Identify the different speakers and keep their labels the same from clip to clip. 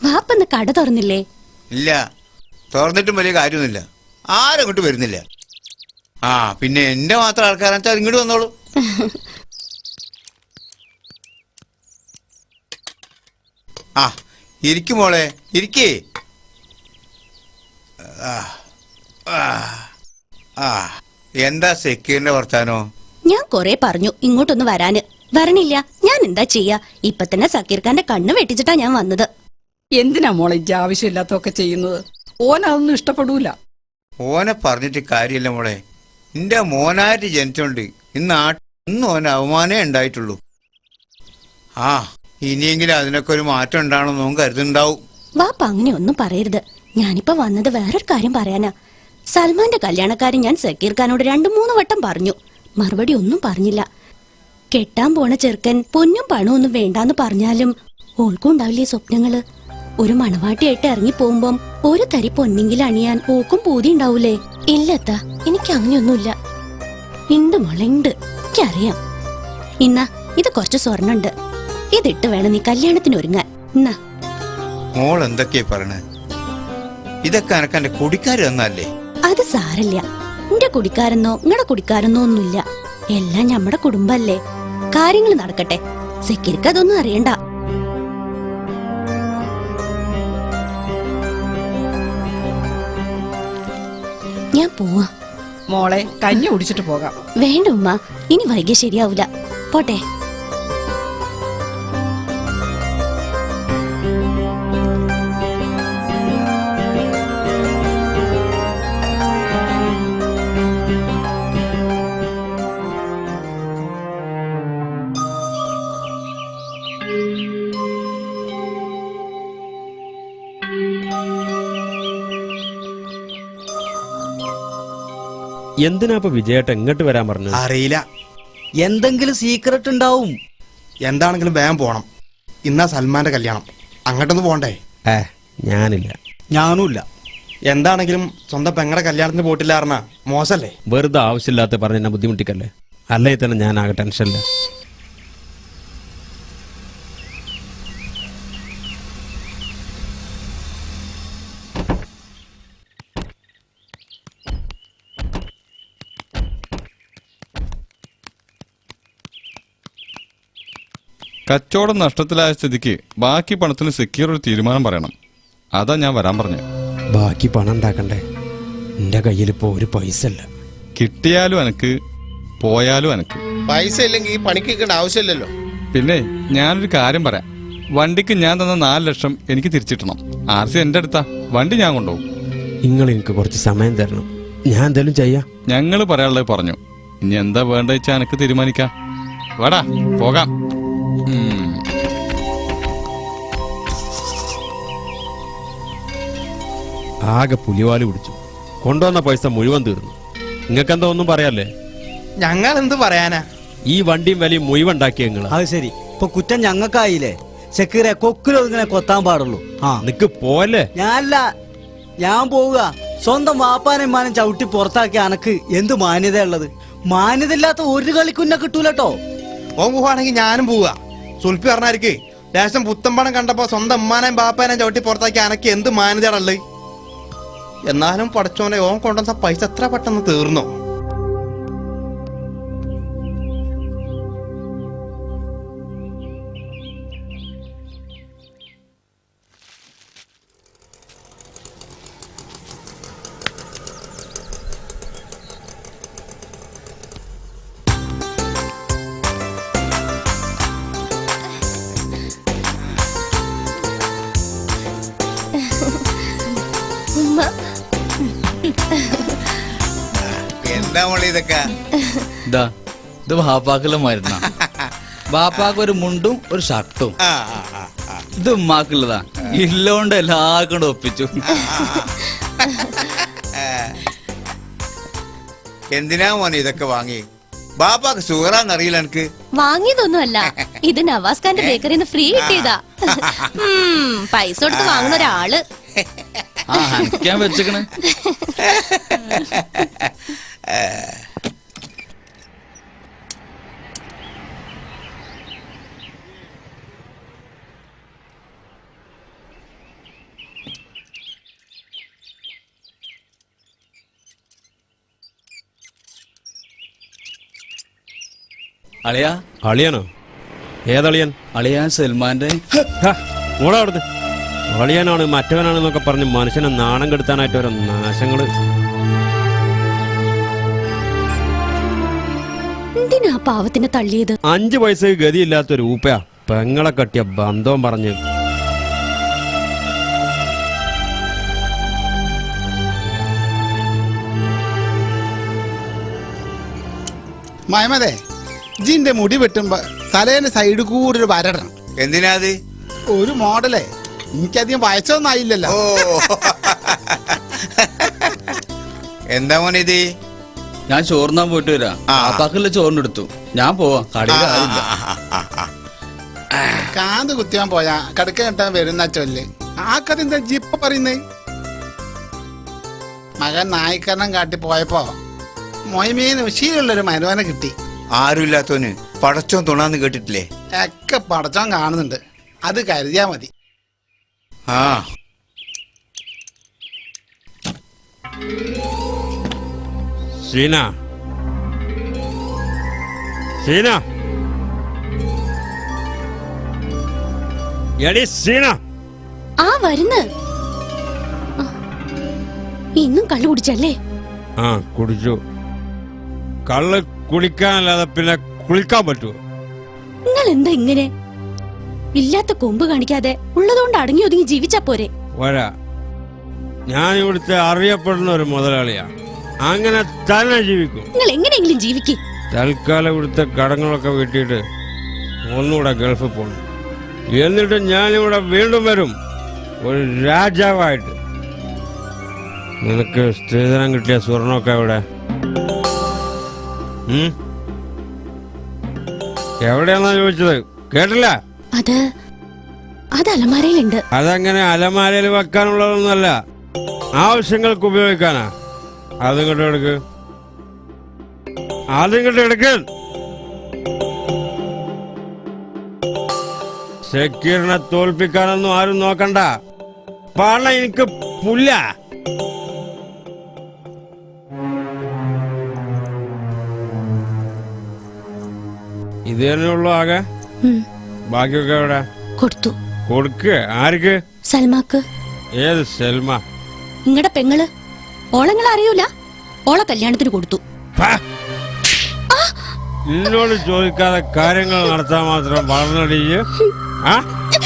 Speaker 1: വാപ്പന്ന് കട തുറന്നില്ലേ?
Speaker 2: ഇല്ല, തുറന്നിട്ടും വലിയ കാര്യമൊന്നുമില്ല. ആരും അങ്ങോട്ട് വരുന്നില്ല. ആ പിന്നെ എന്റെ മാത്രം ആൾക്കാരാണെന്ന് വെച്ചാൽ ഇങ്ങോട്ട് വന്നോളൂ. ആ ഇരിക്കും മോളെ, ഇരിക്കേ. എന്താ സെക്യൂരിന്റെ വർത്താനോ?
Speaker 1: ഞാൻ കൊറേ പറഞ്ഞു ഇങ്ങോട്ടൊന്ന് വരാന്, വരണില്ല. ഞാൻ എന്താ ചെയ്യാ? ഇപ്പൊ തന്നെ സക്കീർ ഖാന്റെ കണ്ണ് വെട്ടിച്ചിട്ടാ ഞാൻ വന്നത്.
Speaker 3: എന്തിനാ മോളെ ഇജ്ജ് ആവശ്യമില്ലാത്തൊക്കെ ചെയ്യുന്നത്? ഓനതൊന്നും ഇഷ്ടപ്പെടൂല.
Speaker 2: ഓനെ പറഞ്ഞിട്ട് കാര്യമില്ല മോളെ. എന്റെ മോനായിട്ട് ജനിച്ചോണ്ട് ഇന്ന് ഓന് അവമാനേ ഉണ്ടായിട്ടുള്ളൂ. ആ ഇനിയെങ്കിലും അതിനൊക്കെ ഒരു മാറ്റം ഉണ്ടാവണമെന്നും കരുതുന്നുണ്ടാവും.
Speaker 1: വാപ്പ അങ്ങനെ ഒന്നും പറയരുത്. ഞാനിപ്പോ വന്നത് വേറൊരു കാര്യം പറയാനാ. സൽമാന്റെ കല്യാണക്കാരൻ ഞാൻ സക്കീർ ഖാനോട് 2-3 വട്ടം പറഞ്ഞു. മറുപടി ഒന്നും പറഞ്ഞില്ല. കെട്ടാൻ പോണ ചെറുക്കൻ പൊന്നും പണവും ഒന്നും വേണ്ടാന്ന് പറഞ്ഞാലും ഓൾക്കും ഉണ്ടാവില്ലേ സ്വപ്നങ്ങള്? ഒരു മണവാട്ടിയായിട്ട് ഇറങ്ങി പോകുമ്പം ഒരു തരി പൊന്നെങ്കിലും അണിയാൻ ഓക്കും പൂതി ഉണ്ടാവൂലേ? ഇല്ലത്താ, എനിക്ക് അങ്ങനെയൊന്നുമില്ല. ഉണ്ട് മോളെ, ഉണ്ട്. എനിക്കറിയാം. ഇന്നാ ഇത് കുറച്ച് സ്വർണ്ണുണ്ട്. ഇതിട്ട് വേണം നീ കല്യാണത്തിന് ഒരുങ്ങാൻ. എന്നാ
Speaker 2: മോൾ എന്തൊക്കെയാ പറയണേ? ഇതൊക്കെ എനക്ക് എന്റെ കുടിക്കാര് തന്നല്ലേ?
Speaker 1: അത് സാരല്ല. എന്റെ കുടിക്കാരെന്നോ നിങ്ങളുടെ കുടിക്കാരെന്നോ ഒന്നുമില്ല. എല്ലാം നമ്മുടെ കുടുംബല്ലേ. കാര്യങ്ങൾ നടക്കട്ടെ. സെക്യൂരിക്ക് അതൊന്നും അറിയണ്ട. ഞാൻ പോവാ.
Speaker 3: മോളെ കഞ്ഞി കുടിച്ചിട്ട് പോകാം.
Speaker 1: വേണ്ട ഉമ്മ, ഇനി വൈകിയ ശരിയാവൂല. പോട്ടെ.
Speaker 4: എന്തിനാ ഇപ്പൊ വിജയേട്ട എങ്ങോട്ട് വരാൻ പറഞ്ഞു?
Speaker 5: അറിയില്ല, എന്തെങ്കിലും സീക്രട്ട് ഉണ്ടാവും. എന്താണെങ്കിലും വേഗം പോണം. ഇന്നാ സൽമാന്റെ കല്യാണം, അങ്ങോട്ടൊന്ന് പോണ്ടേ?
Speaker 4: ഞാനില്ല.
Speaker 5: ഞാനുമില്ല. എന്താണെങ്കിലും സ്വന്തം പെങ്ങളുടെ കല്യാണത്തിന് പോയിട്ടില്ല പറഞ്ഞാ മോശല്ലേ?
Speaker 4: വെറുതെ ആവശ്യമില്ലാത്ത പറഞ്ഞ എന്നെ ബുദ്ധിമുട്ടിക്കല്ലേ. അല്ലെങ്കിൽ തന്നെ ഞാൻ ആകെ ടെൻഷനില്ല.
Speaker 6: കച്ചവടം നഷ്ടത്തിലായ സ്ഥിതിക്ക് ബാക്കി പണത്തിന് സെക്യൂർ ഒരു തീരുമാനം പറയണം. അതാ ഞാൻ വരാൻ പറഞ്ഞു.
Speaker 4: ബാക്കി പണം ഉണ്ടാക്കണ്ടേ? എന്റെ കയ്യിലിപ്പോ ഒരു പൈസ ഇല്ല.
Speaker 6: കിട്ടിയാലും എനക്ക്, പോയാലും എനക്ക്.
Speaker 7: പൈസ ഇല്ലെങ്കിൽ ഈ പണിക്കേണ്ട ആവശ്യമില്ലല്ലോ.
Speaker 6: പിന്നെ ഞാനൊരു കാര്യം പറയാം. വണ്ടിക്ക് ഞാൻ തന്ന 4 ലക്ഷം എനിക്ക് തിരിച്ചിട്ടണം. RC എന്റെ അടുത്താ. വണ്ടി ഞാൻ കൊണ്ടുപോകും.
Speaker 4: നിങ്ങൾ എനിക്ക് കുറച്ച് സമയം തരണം. ഞാൻ എന്തായാലും ചെയ്യാം.
Speaker 6: ഞങ്ങള് പറയാനുള്ളത് പറഞ്ഞു. ഇനി എന്താ വേണ്ട വെച്ചാ എനക്ക് തീരുമാനിക്കാം. വേടാ പോകാം.
Speaker 4: ആകെ പുലിവാല് പിടിച്ചു. കൊണ്ടുവന്ന പൈസ മുഴുവൻ തീർന്നു. നിങ്ങൾക്കെന്താ ഒന്നും പറയാല്ലേ?
Speaker 5: ഞങ്ങൾ എന്ത് പറയാനാ?
Speaker 4: ഈ വണ്ടിയും വലിയും മുഴുവൻ ഉണ്ടാക്കിയ നിങ്ങള്.
Speaker 5: അത് ശരി, ഇപ്പൊ കുറ്റം ഞങ്ങൾക്കായില്ലേ? സെക്യൂരെ കൊക്കിലോ ഇങ്ങനെ കൊത്താൻ പാടുള്ളൂ.
Speaker 4: നിക്ക് പോലെ.
Speaker 5: ഞാനല്ല, ഞാൻ പോവുക. സ്വന്തം വാപ്പാനും മാനും ചവിട്ടി പുറത്താക്കിയ അനക്ക് എന്ത് മാന്യത ഉള്ളത്? മാന്യത ഇല്ലാത്ത ഒരു കളിക്കുന്ന കിട്ടൂലട്ടോ. ഓൻ പോവാണെങ്കിൽ ഞാനും പോവുക. സുൽപ്പി പറഞ്ഞായിരിക്കേ ലേശം പുത്തമ്പണം കണ്ടപ്പോ സ്വന്തം ഉമ്മാനേം ബാപ്പാനേം ചവിട്ടി പുറത്താക്കി അനക്ക് എന്ത് മാന്യതയുള്ളത്? എന്നാലും പടച്ചോനെ, ഓൻ കൊണ്ടുവന്ന പൈസ എത്ര പെട്ടെന്ന് തീർന്നോ?
Speaker 2: എന്താ മോളെ ഇതൊക്കെ?
Speaker 8: ഇത് ബാപ്പാക്കുള്ള മരുന്നാ. ബാപ്പാക്ക് ഒരു മുണ്ടും ഒരു ഷർട്ടും. ഇത് ഉമ്മാക്കുള്ളതാ. ഇല്ലോണ്ട് എല്ലാവർക്കും കൂടെ ഒപ്പിച്ചു.
Speaker 2: എന്തിനാ മോനെ ഇതൊക്കെ വാങ്ങി? ബാപ്പാക്ക് സുഖറാന്നറിയില്ല. എനിക്ക്
Speaker 1: വാങ്ങിയതൊന്നുമല്ല, ഇത് നവാസ് ഖാന്റെ ബേക്കറിന്ന് ഫ്രീ കിട്ടിയതാ. പൈസ കൊടുത്ത് വാങ്ങുന്ന ഒരാള്.
Speaker 8: ഞാൻ വെച്ചേക്കണേ. അളിയാ
Speaker 4: അളിയനോ? ഏതളിയൻ?
Speaker 8: അളിയാ സൽമാന്റെ.
Speaker 4: മോളെ അവിടുന്ന്. അളിയനാണ് മറ്റവനാണെന്നൊക്കെ പറഞ്ഞ് മനുഷ്യനെ നാണം കെടുത്താനായിട്ട് ഓരോ നാശങ്ങള്.
Speaker 1: എന്തിനാ പാവത്തിനെ തള്ളിയത്?
Speaker 4: 5 പൈസക്ക് ഗതിയില്ലാത്തൊരു ഊപ്പയാ പെങ്ങളെ കട്ടിയ ബന്ധവും പറഞ്ഞ്.
Speaker 7: മയമതേ ജിന്റെ മുടി വെട്ടുമ്പോ തലേന്റെ സൈഡ് കൂടി ഒരു വരടണം.
Speaker 2: എന്തിനാ അത്?
Speaker 7: ഒരു മോഡലേ, എനിക്കധികം വയസ്സൊന്നും ആയില്ലല്ലോ.
Speaker 2: ഓ എന്താ മോനെ ഇത്?
Speaker 8: ഞാൻ ചോറിനാൻ പോയിട്ട് വരാം. വാപ്പാക്കുള്ള ചോറിനെടുത്തു. ഞാൻ പോവാ. കടയിൽ ആളില്ല.
Speaker 7: കാന്ത് കുത്തിയാൻ പോയാ കടുക്ക കിട്ടാൻ വരുന്ന ചൊല്ല്. ആ കഥ എന്താ ജിപ്പ പറയുന്നേ? മകൻ നായിക്കരണം കാട്ടി പോയപ്പോ മൊയ്മീന് ശീലമുള്ളൊരു മരുവനെ കിട്ടി.
Speaker 2: ആരുമില്ലാത്തവന് പടച്ചോൻ തുണാന്ന് കേട്ടിട്ടില്ലേ?
Speaker 7: ഒക്കെ പടച്ചോൻ കാണുന്നുണ്ട്, അത് കരുതിയാ മതി.
Speaker 2: ആ
Speaker 4: സീന, സീന, എടി സീന.
Speaker 1: ആ വരുന്ന്. ഇന്നും കള്ളു കുടിച്ചല്ലേ?
Speaker 4: ആ കുടിച്ചു. കള്ള് കുടിക്കാനല്ലാതെ പിന്നെ കുളിക്കാൻ പറ്റുമോ?
Speaker 1: നിങ്ങൾ എന്താ ഇങ്ങനെ? ഇല്ലാത്ത കൊമ്പ് കാണിക്കാതെ ഉള്ളതുകൊണ്ട് അടങ്ങി ഒതുങ്ങി ജീവിച്ചാ പോരെ?
Speaker 4: വരാ, ഞാൻ ഇവിടുത്തെ അറിയപ്പെടുന്ന ഒരു മുതലാളിയാ. അങ്ങനെ തന്നെ ജീവിക്കും.
Speaker 1: നിങ്ങൾ എങ്ങനെയെങ്കിലും ജീവിക്കും.
Speaker 4: തൽക്കാലം ഇവിടുത്തെ കടങ്ങളൊക്കെ വീട്ടിയിട്ട് ഒന്നുകൂടെ ഗൾഫിൽ പോകണം. എന്നിട്ട് ഞാനിവിടെ വീണ്ടും വരും, ഒരു രാജാവായിട്ട്. നിനക്ക് സ്ത്രീധനം കിട്ടിയ സ്വർണമൊക്കെ ഇവിടെ എവിടെയാന്നാ ചോദിച്ചത്? കേട്ടില്ല?
Speaker 1: അത് അലമാരയിലുണ്ട്.
Speaker 4: അതങ്ങനെ അലമാരയിൽ വെക്കാനുള്ളതൊന്നുമല്ല, ആവശ്യങ്ങൾക്ക് ഉപയോഗിക്കാനാ. അതിങ്ങോട്ട് എടുക്ക്, അതിങ്ങോട്ട് എടുക്ക്. സെക്യൂരിനെ തോൽപ്പിക്കാനൊന്നും ആരും നോക്കണ്ട. പണം എനിക്ക് പുല്ല. ഇത് തന്നെയുള്ളൂ ആകെ? ബാക്കിയൊക്കെ എവിടെ?
Speaker 1: കൊടുത്തു.
Speaker 4: കൊടുക്ക്. ആർക്ക്?
Speaker 1: സൽമാക്ക്.
Speaker 4: ഏത് സൽമ?
Speaker 1: നിങ്ങളുടെ പെങ്ങള്. ഓളങ്ങൾ അറിയൂല? ഓളെ കല്യാണത്തിന് കൊടുത്തു.
Speaker 4: നിന്നോട് ചോദിക്കാതെ കാര്യങ്ങൾ നടത്താൻ മാത്രം വളർന്നടിയ്. ആ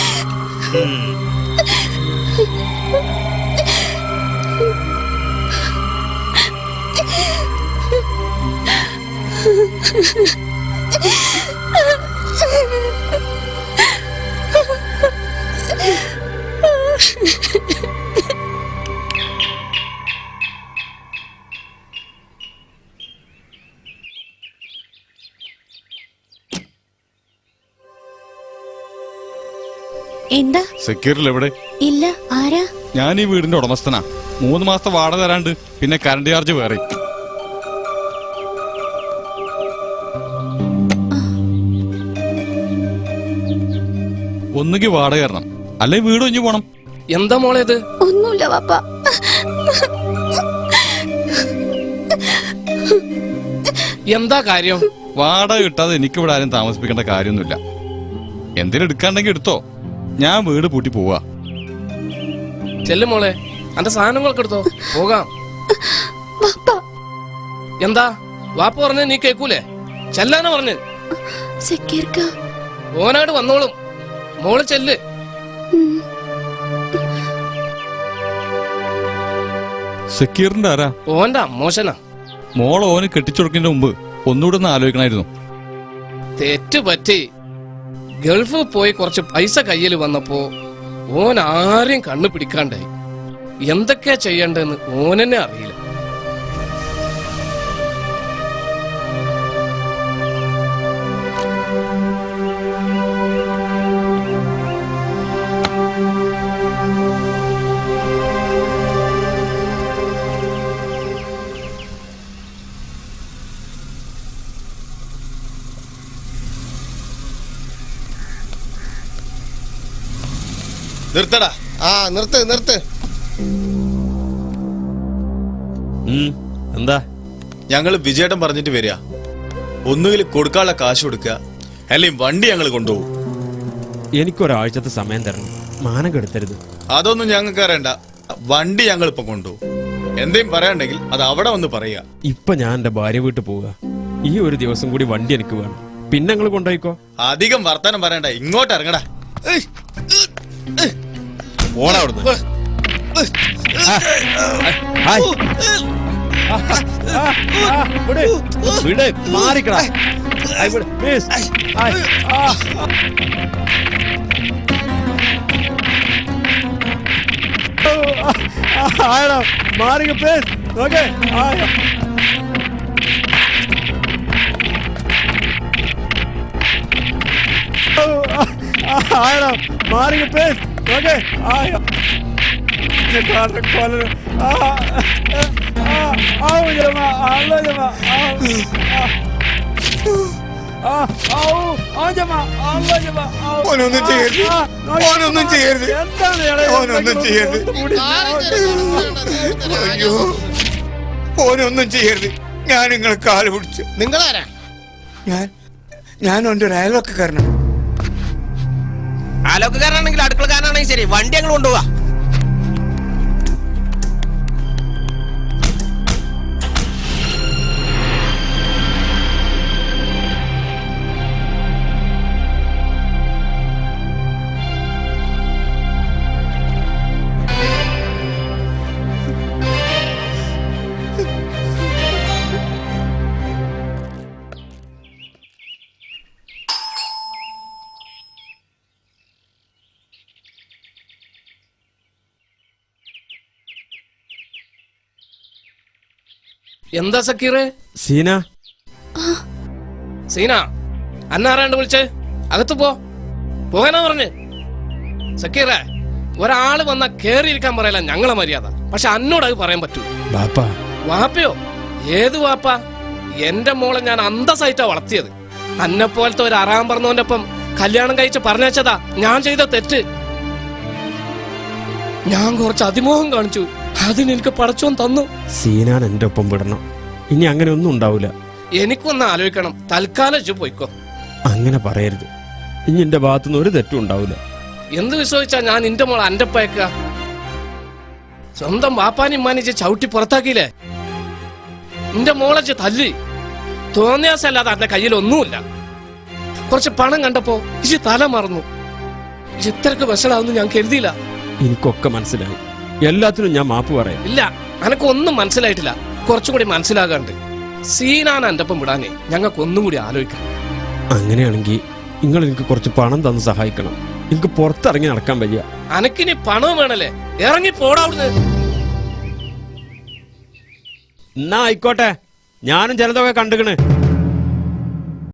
Speaker 1: എന്താ?
Speaker 6: സെക്യൂരിൽ എവിടെ?
Speaker 1: ഇല്ല. ആരാ?
Speaker 6: ഞാൻ ഈ വീടിന്റെ ഉടമസ്ഥനാ. 3 മാസത്തെ വാടക തരാണ്ട്, പിന്നെ കറണ്ട് ചാർജ് വേറെ. ഒന്നുകിൽ വാടക തരണം, അല്ലെ വീട് ഒഞ്ഞു പോണം.
Speaker 9: എന്താ മോളെ ഇത്?
Speaker 1: ഒന്നുമില്ല പാപ്പ.
Speaker 9: എന്താ കാര്യം?
Speaker 6: വാടക കിട്ടാതെ എനിക്കിവിടെ ആരും താമസിപ്പിക്കേണ്ട കാര്യമൊന്നുമില്ല. എന്തെങ്കിലും എടുക്കാണ്ടെങ്കിൽ എടുത്തോ, ഞാൻ വീട് പൂട്ടി പോവാ.
Speaker 9: ചെല്ലു മോളെ, അന്റെ സാധനങ്ങളൊക്കെ എടുത്തോ, പോകാം. എന്താ വാപ്പ പറഞ്ഞ നീ കേക്കൂലേ? ചെല്ലാനാ പറഞ്ഞ്. ഓനാട് വന്നോളും. മോള് ചെല്ല്.
Speaker 6: സെക്യൂരിന്റെ ആരാ?
Speaker 9: ഓന്റെ അമ്മോശനാ.
Speaker 6: മോള് ഓന് കെട്ടിച്ചുടക്കുന്നതിന് മുമ്പ് ഒന്നുകൂടെ ഒന്ന് ആലോചിക്കണമായിരുന്നു.
Speaker 9: തെറ്റ് പറ്റി. ഗൾഫ് പോയി കുറച്ച് പൈസ കയ്യിൽ വന്നപ്പോ ഓൻ ആരെയും കണ്ണു പിടിക്കാണ്ടായി. എന്തൊക്കെയാ ചെയ്യണ്ടെന്ന് ഓനെന്നെ അറിയില്ല.
Speaker 7: നിർത്തടാ. ആ നിർത്ത് നിർത്ത്.
Speaker 4: എന്താ?
Speaker 7: ഞങ്ങൾ വിജയേട്ടൻ പറഞ്ഞിട്ട് വരിക.
Speaker 10: ഒന്നുകിൽ കൊടുക്കാനുള്ള കാശ് കൊടുക്കുക, അല്ലെങ്കിൽ വണ്ടി ഞങ്ങൾ കൊണ്ടുപോകും.
Speaker 4: എനിക്കൊരാഴ്ചത്തെ സമയം തരണം, മാനം കെടുത്തരുത്.
Speaker 10: അതൊന്നും ഞങ്ങൾക്ക് അറിയണ്ട. വണ്ടി ഞങ്ങൾ ഇപ്പൊ കൊണ്ടുപോകും. എന്തെങ്കിലും പറയാനുണ്ടെങ്കിൽ അത് അവിടെ വന്ന് പറയുക.
Speaker 4: ഇപ്പൊ ഞാൻ എന്റെ ഭാര്യ വീട്ടിൽ പോവുക. ഈ ഒരു ദിവസം കൂടി വണ്ടി എനിക്ക് വേണം. പിന്നെ നിങ്ങൾ കൊണ്ടുപോയിക്കോ.
Speaker 10: അധികം വർത്തമാനം പറയണ്ട, ഇങ്ങോട്ട് ഇറങ്ങടാ.
Speaker 4: ഓടാ അവിടുന്ന്. മാറിക്കടാ. മാറിക്ക പ്ലീസ്. ഓക്കെ മാറിക്ക പ്ലീസ്. ഓക്കെ
Speaker 2: ഓനൊന്നും ചെയ്യരുത്, ഓനൊന്നും ചെയ്യരുത്, ഓനൊന്നും ചെയ്യരുത്. അയ്യോ, ഓനൊന്നും ചെയ്യരുത്. ഞാൻ നിങ്ങളെ കാല് പിടിച്ചു.
Speaker 7: നിങ്ങളാരാ?
Speaker 2: ഞാൻ എൻ്റെ ഒരു അയൽവക്കക്കാരനാണ്.
Speaker 5: ആലോക്കാരനാണെങ്കിൽ അടുക്കളക്കാരനാണെങ്കിൽ ശരി, വണ്ടി ഞങ്ങൾ കൊണ്ടുപോവാ.
Speaker 9: എന്താ സക്കീറ്?
Speaker 4: സീന,
Speaker 9: സീന, അന്നാരാണ്ട് വിളിച്ചേ? അകത്ത് പോകാനാ പറഞ്ഞ്. സക്കീറേ, ഒരാള് വന്നാ കേറിയിരിക്കാൻ പറയല ഞങ്ങളെ മര്യാദ. പക്ഷെ അന്നോട് അത് പറയാൻ പറ്റൂ. വാപ്പയോ? ഏത് വാപ്പ? എന്റെ മോളെ ഞാൻ അന്തസ്സായിട്ടാ വളർത്തിയത്. അന്നെ പോലത്തെ ഒരു അറാൻ പറഞ്ഞവന്റെ ഒപ്പം കല്യാണം കഴിച്ച് പറഞ്ഞേച്ചതാ ഞാൻ ചെയ്ത തെറ്റ്. ഞാൻ കുറച്ച് അതിമോഹം കാണിച്ചു, അതിനെനിക്ക് പടച്ചോൻ തന്നു.
Speaker 4: സീനാൻ എന്റെ ഒപ്പം വിടണം. ഇനി അങ്ങനെ ഒന്നും ഉണ്ടാവില്ല.
Speaker 9: എനിക്കൊന്ന് ആലോചിക്കണം. തൽക്കാലം പോയിക്കോ.
Speaker 4: അങ്ങനെ പറയരുത്. ഇനി എന്റെ ഭാഗത്തുനിന്ന് ഒരു തെറ്റും ഉണ്ടാവില്ല.
Speaker 9: എന്ത് വിശ്വസിച്ചാ ഞാൻ നിന്റെ മോളെ അന്റെ പയക്ക? സ്വന്തം വാപ്പാനും മാനിച്ച് ചവിട്ടി പുറത്താക്കിയില്ലേ? നിന്റെ മോളെ തല്ലി. തോന്നിയാസല്ലാതെ അന്റെ കയ്യിൽ ഒന്നുമില്ല. കുറച്ച് പണം കണ്ടപ്പോ ഇജ് തല മറന്നു. ഇത്രക്ക് വഷളാവുന്നു ഞാൻ കരുതിയില്ല.
Speaker 4: എനിക്കൊക്കെ മനസ്സിലായി. എല്ലാത്തിനും ഞാൻ മാപ്പ് പറയാം.
Speaker 9: ഇല്ല, അനക്കൊന്നും മനസ്സിലായിട്ടില്ല. കുറച്ചും കൂടി മനസ്സിലാകാണ്ട്. സീനാണ് എന്റെ ഒപ്പം വിടാനേ ഞങ്ങൾക്കൊന്നും കൂടി ആലോചിക്കാം.
Speaker 4: അങ്ങനെയാണെങ്കിൽ നിങ്ങൾ എനിക്ക് കുറച്ച് പണം തന്ന് സഹായിക്കണം. എനിക്ക് പുറത്തിറങ്ങി നടക്കാൻ വയ്യ.
Speaker 9: അനക്കിനി പണവും വേണല്ലേ? ഇറങ്ങി പോടാവുന്നത്.
Speaker 4: എന്നാ ആയിക്കോട്ടെ, ഞാനും ചിലതൊക്കെ കണ്ടുകണ്.